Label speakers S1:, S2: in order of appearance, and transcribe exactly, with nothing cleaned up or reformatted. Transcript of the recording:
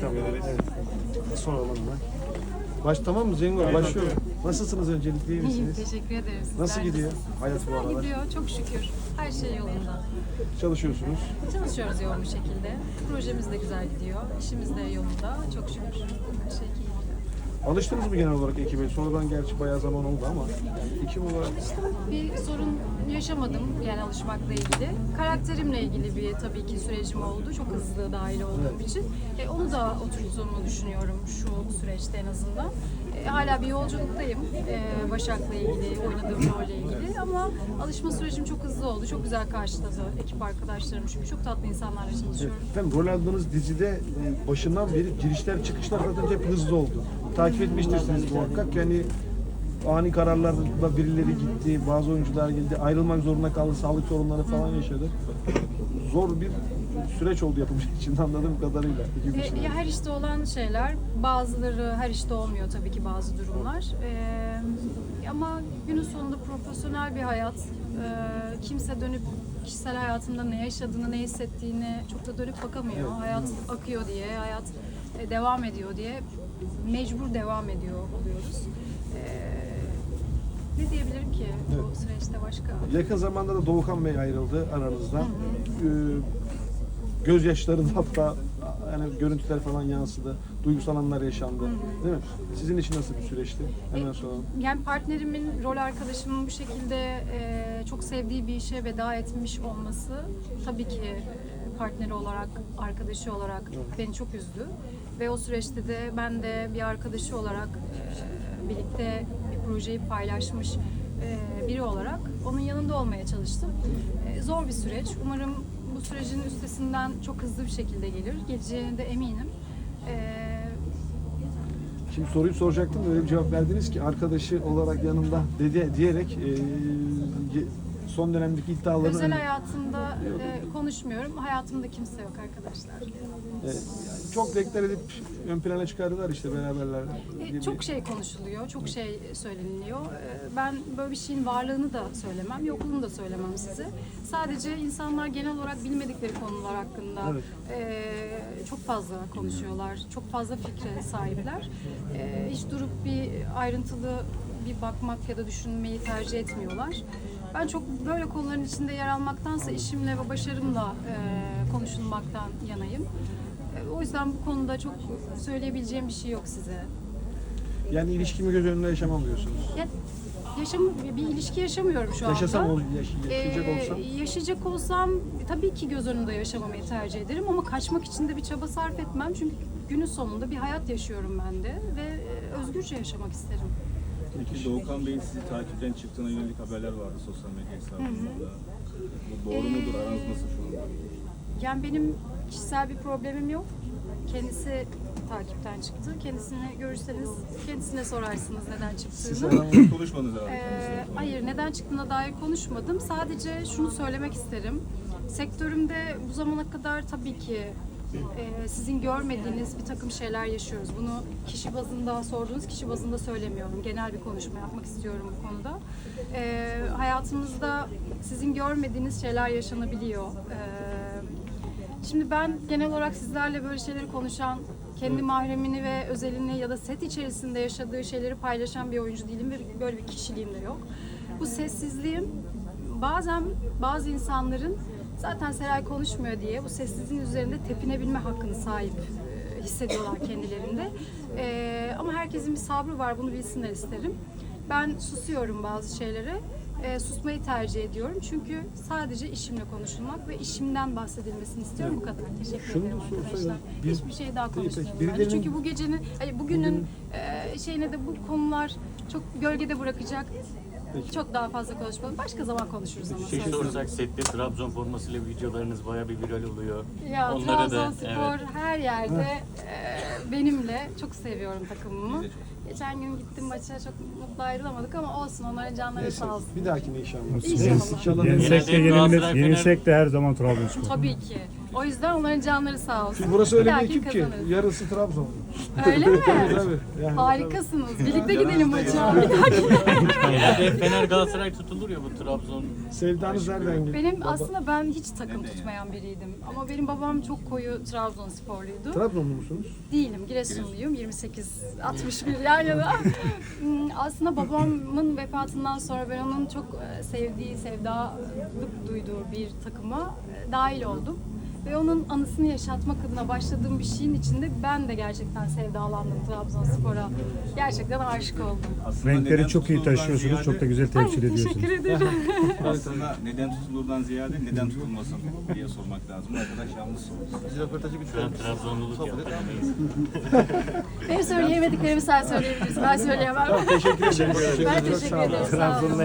S1: inşallah. Evet. Soralım hemen. Baş tamam mı Cengo? Başlıyor. Nasılsınız öncelikle, iyi
S2: İyiyim,
S1: misiniz?
S2: teşekkür ederim. Sizler
S1: Nasıl gidiyor
S2: nasılsınız?
S1: hayat bu
S2: Güzel
S1: aralar?
S2: gidiyor, çok şükür. Her şey yolunda.
S1: Çalışıyorsunuz.
S2: Çalışıyoruz yoğun bir şekilde. Projemiz de güzel gidiyor. İşimiz de yolunda. Çok şükür. Her şey iyi gidiyor.
S1: Alıştınız mı genel olarak ekibe? Sonradan gerçi bayağı zaman oldu ama yani ekip olarak
S2: Bir sorun yaşamadım yani alışmakla ilgili. Karakterimle ilgili bir tabii ki sürecim oldu. Çok hızlı dahil olduğum için. E, onu da oturttuğumu düşünüyorum şu süreçte en azından. E, hala bir yolculuktayım. E, Başak'la ilgili, oynadığım rolle ilgili. Ama alışma sürecim çok hızlı oldu. Çok güzel karşıladı ekip arkadaşlarım çünkü çok tatlı insanlarla çalışıyorum.
S1: efendim, rol aldığınız dizide e, başından beri girişler çıkışlar zaten hep hızlı oldu. Takip etmiştirsiniz muhakkak. Yani ani kararlarla birileri gitti, bazı oyuncular geldi, ayrılmak zorunda kaldı, sağlık sorunları falan yaşadı. Zor bir süreç oldu yapımcı için anladığım kadarıyla. ekip için.
S2: E, ya her işte olan şeyler, bazıları her işte olmuyor tabii ki bazı durumlar. E, ama günün sonunda profesyonel bir hayat. E, kimse dönüp kişisel hayatında ne yaşadığını, ne hissettiğini çok da dönüp bakamıyor. Hayat akıyor diye, hayat e, devam ediyor diye mecbur devam ediyor oluyoruz. E, ne diyebilirim ki bu süreçte başka?
S1: Yakın zamanda da Doğukan Bey ayrıldı aranızdan. Ee, gözyaşlarında hatta yani görüntüler falan yansıdı. Duygusal anlar yaşandı. Değil mi? Sizin için nasıl bir süreçti? Hemen soralım.
S2: Yani partnerimin, rol arkadaşımın bu şekilde e, çok sevdiği bir işe veda etmiş olması tabii ki e, partneri olarak, arkadaşı olarak beni çok üzdü. Ve o süreçte de ben de bir arkadaşı olarak e, birlikte bir projeyi paylaşmış e, biri olarak onun yanında olmaya çalıştım. E, zor bir süreç. Umarım bu sürecin üstesinden çok hızlı bir şekilde gelir. Geleceğine de eminim. E,
S1: Şimdi soruyu soracaktım, öyle bir cevap verdiniz ki arkadaşı olarak yanında dedi diyerek e, son dönemdeki iddiaların
S2: Özel hayatımda e, konuşmuyorum. Hayatımda kimse yok arkadaşlar.
S1: e, çok deklar edip ön plana çıkardılar işte beraberler.
S2: E, çok şey konuşuluyor, çok şey söyleniliyor. E, ben böyle bir şeyin varlığını da söylemem, yokluğunu da söylemem size. Sadece insanlar genel olarak bilmedikleri konular hakkında
S1: Evet.
S2: e, çok fazla konuşuyorlar, çok fazla fikre sahipler. E, hiç durup bir ayrıntılı bir bakmak ya da düşünmeyi tercih etmiyorlar. Ben çok böyle konuların içinde yer almaktansa işimle ve başarımla e, konuşulmaktan yanayım. E, o yüzden bu konuda çok söyleyebileceğim bir şey yok size.
S1: Yani ilişkimi göz önünde yaşamam diyorsunuz.
S2: Ya, yaşam, bir ilişki yaşamıyorum şu anda.
S1: Yaşasam, ol- yaş- yaşayacak
S2: Ee,
S1: olsam.
S2: yaşayacak olsam tabii ki göz önünde yaşamamayı tercih ederim ama kaçmak için de bir çaba sarf etmem. Çünkü günün sonunda bir hayat yaşıyorum ben de ve e, özgürce yaşamak isterim.
S3: Peki Doğukan Bey'in sizi takipten çıktığına yönelik haberler vardı sosyal medya hesabında. Bu doğru mudur? Aranız nasıl şu anda?
S2: Yani benim kişisel bir problemim yok. Kendisi takipten çıktı. Kendisini görürseniz kendisine sorarsınız neden çıktığını.
S3: Siz konuşmadınız herhalde.
S2: Ee, hayır, neden çıktığına dair konuşmadım. Sadece şunu söylemek isterim. Sektörümde bu zamana kadar tabii ki e, sizin görmediğiniz bir takım şeyler yaşıyoruz. Bunu kişi bazında sorduğunuz kişi bazında söylemiyorum. Genel bir konuşma yapmak istiyorum bu konuda. E, hayatımızda sizin görmediğiniz şeyler yaşanabiliyor. E, şimdi ben genel olarak sizlerle böyle şeyleri konuşan, kendi mahremini ve özelini ya da set içerisinde yaşadığı şeyleri paylaşan bir oyuncu değilim ve böyle bir kişiliğim de yok. Bu sessizliğim bazen bazı insanların zaten Seray konuşmuyor diye bu sessizliğin üzerinde tepinebilme hakkını sahip e, hissediyorlar kendilerinde. E, ama herkesin bir sabrı var, bunu bilsinler isterim. Ben susuyorum bazı şeylere. E, susmayı tercih ediyorum çünkü sadece işimle konuşulmak ve işimden bahsedilmesini istiyorum. Bu kadar. Teşekkür
S1: Şunu
S2: ederim
S1: da sorsaydım,
S2: arkadaşlar.
S1: bir-
S2: Hiçbir şey daha
S1: Peki, peki,
S2: konuşmayalım.
S1: birilerinin-
S2: bence. Çünkü bu gecenin, hayır, bugünün e, şeyine de bu konular çok gölgede bırakacak. Çok daha fazla konuşmalım. Başka zaman konuşuruz ama.
S4: Şey
S2: söz.
S4: soracak, sette Trabzon formasıyla videolarınız bayağı bir viral oluyor.
S2: Ya
S4: Onları da,
S2: Trabzonspor
S4: evet.
S2: her yerde e, benimle. Çok seviyorum takımımı. Geçen gün gittim maça, çok mutlu ayrılamadık ama olsun, onların canları
S1: Neyse,
S2: sağ olsun.
S1: bir dahakine inşallah.
S2: İnşallah.
S1: İnşallah.
S5: Yenilsek de
S4: Genelde
S5: yenilmez,
S4: Galatasaray,
S5: yenilsek de her zaman Trabzonspor.
S2: Tabii ki. O yüzden onların canları sağ olsun.
S1: Şimdi burası öyle bir
S2: Lakin
S1: ekip ki
S2: kazanırız.
S1: yarısı Trabzon.
S2: Öyle mi?
S1: Tabii. Yani,
S2: Harikasınız. Birlikte gidelim maça. Bir dahaki.
S4: Genelde Fener Galatasaray tutulur ya, bu Trabzon.
S1: Sevdanız nereden geliyor?
S2: Benim
S1: Baba-
S2: aslında ben hiç takım tutmayan biriydim. Ama benim babam çok koyu Trabzonsporluydu.
S1: Trabzonlu musunuz?
S2: Değilim, Giresunluyum. yirmi sekiz altmış bir yan yana. Hmm, Aslında babamın vefatından sonra ben onun çok e, sevdiği, sevdalık duyduğu bir takıma e, dahil oldum. Ve onun anısını yaşatmak adına başladığım bir şeyin içinde ben de gerçekten sevdalandım Trabzonspor'a. Gerçekten aşık oldum.
S3: Aslında
S5: Renkleri
S3: neden
S5: çok iyi
S3: tutulurdan
S5: taşıyorsunuz, çok da
S3: ziyade-
S5: güzel
S2: Ay,
S5: temsil ediyorsunuz.
S2: teşekkür ederim.
S3: Aslında neden tutulurdan ziyade neden tutulmasın diye sormak lazım. Bu arkadaş yalnız sormuş.
S4: Şu an Trabzonluluk yaptı.
S2: Benim söyleyemediklerimi sen söyleyebilirsin. Ben söyleyemem.
S1: Teşekkür ederim.
S2: Ben teşekkür ederim. Sağ olun.